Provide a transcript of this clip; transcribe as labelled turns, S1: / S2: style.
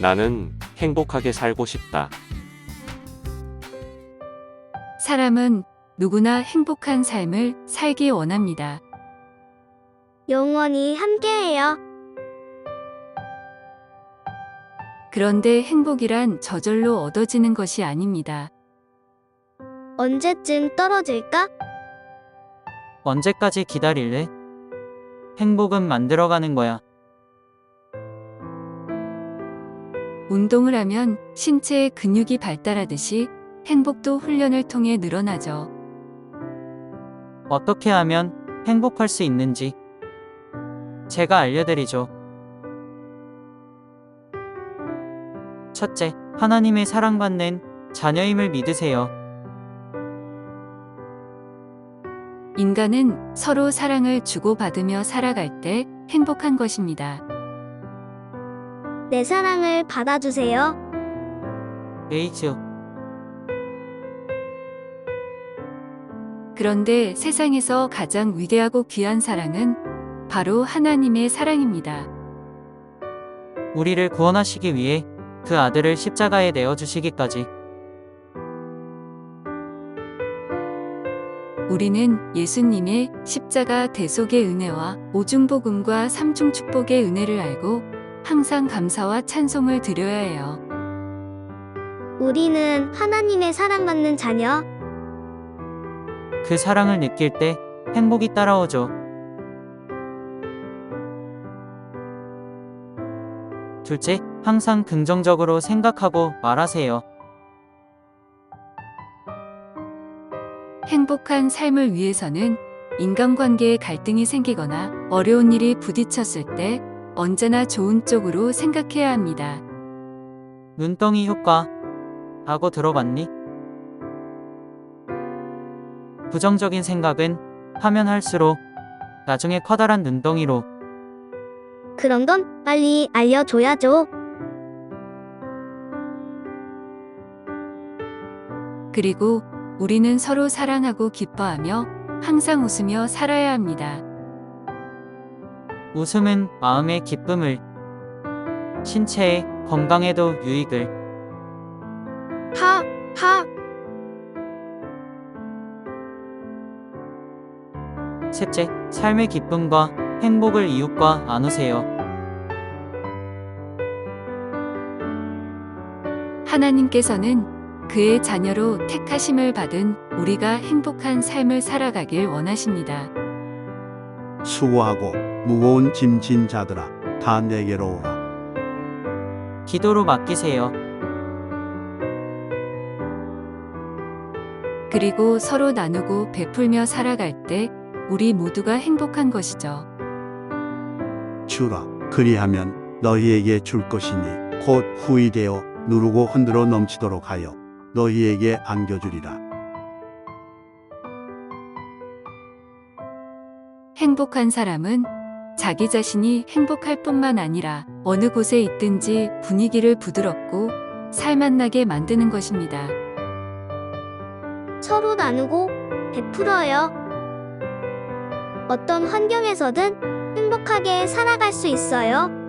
S1: 나는 행복하게 살고 싶다.
S2: 사람은 누구나 행복한 삶을 살기 원합니다.
S3: 영원히 함께해요.
S2: 그런데 행복이란 저절로 얻어지는 것이 아닙니다.
S3: 언제쯤 떨어질까?
S4: 언제까지 기다릴래? 행복은 만들어가는 거야.
S2: 운동을 하면 신체의 근육이 발달하듯이 행복도 훈련을 통해 늘어나죠.
S4: 어떻게 하면 행복할 수 있는지 제가 알려드리죠. 첫째, 하나님의 사랑받는 자녀임을 믿으세요.
S2: 인간은 서로 사랑을 주고받으며 살아갈 때 행복한 것입니다.
S3: 내 사랑을 받아주세요.
S4: 에이즈.
S2: 그런데 세상에서 가장 위대하고 귀한 사랑은 바로 하나님의 사랑입니다.
S4: 우리를 구원하시기 위해 그 아들을 십자가에 내어주시기까지.
S2: 우리는 예수님의 십자가 대속의 은혜와 오중복음과 삼중축복의 은혜를 알고 항상 감사와 찬송을 드려야 해요.
S3: 우리는 하나님의 사랑받는 자녀.
S4: 그 사랑을 느낄 때 행복이 따라오죠. 둘째, 항상 긍정적으로 생각하고 말하세요.
S2: 행복한 삶을 위해서는 인간관계에 갈등이 생기거나 어려운 일이 부딪혔을 때 언제나 좋은 쪽으로 생각해야 합니다.
S4: 눈덩이 효과 라고 들어봤니? 부정적인 생각은 하면 할수록 나중에 커다란 눈덩이로.
S3: 그런 건 빨리 알려줘야죠.
S2: 그리고 우리는 서로 사랑하고 기뻐하며 항상 웃으며 살아야 합니다.
S4: 웃음은 마음의 기쁨을, 신체의 건강에도 유익을.
S3: 하.
S4: 셋째, 삶의 기쁨과 행복을 이웃과 나누세요.
S2: 하나님께서는 그의 자녀로 택하심을 받은 우리가 행복한 삶을 살아가길 원하십니다.
S5: 수고하고 무거운 짐 진 자들아 다 내게로 오라.
S4: 기도로 맡기세요.
S2: 그리고 서로 나누고 베풀며 살아갈 때 우리 모두가 행복한 것이죠.
S5: 주라 그리하면 너희에게 줄 것이니 곧 후이되어 누르고 흔들어 넘치도록 하여 너희에게 안겨주리라.
S2: 행복한 사람은 자기 자신이 행복할 뿐만 아니라 어느 곳에 있든지 분위기를 부드럽고 살맛나게 만드는 것입니다.
S3: 서로 나누고 베풀어요. 어떤 환경에서든 행복하게 살아갈 수 있어요.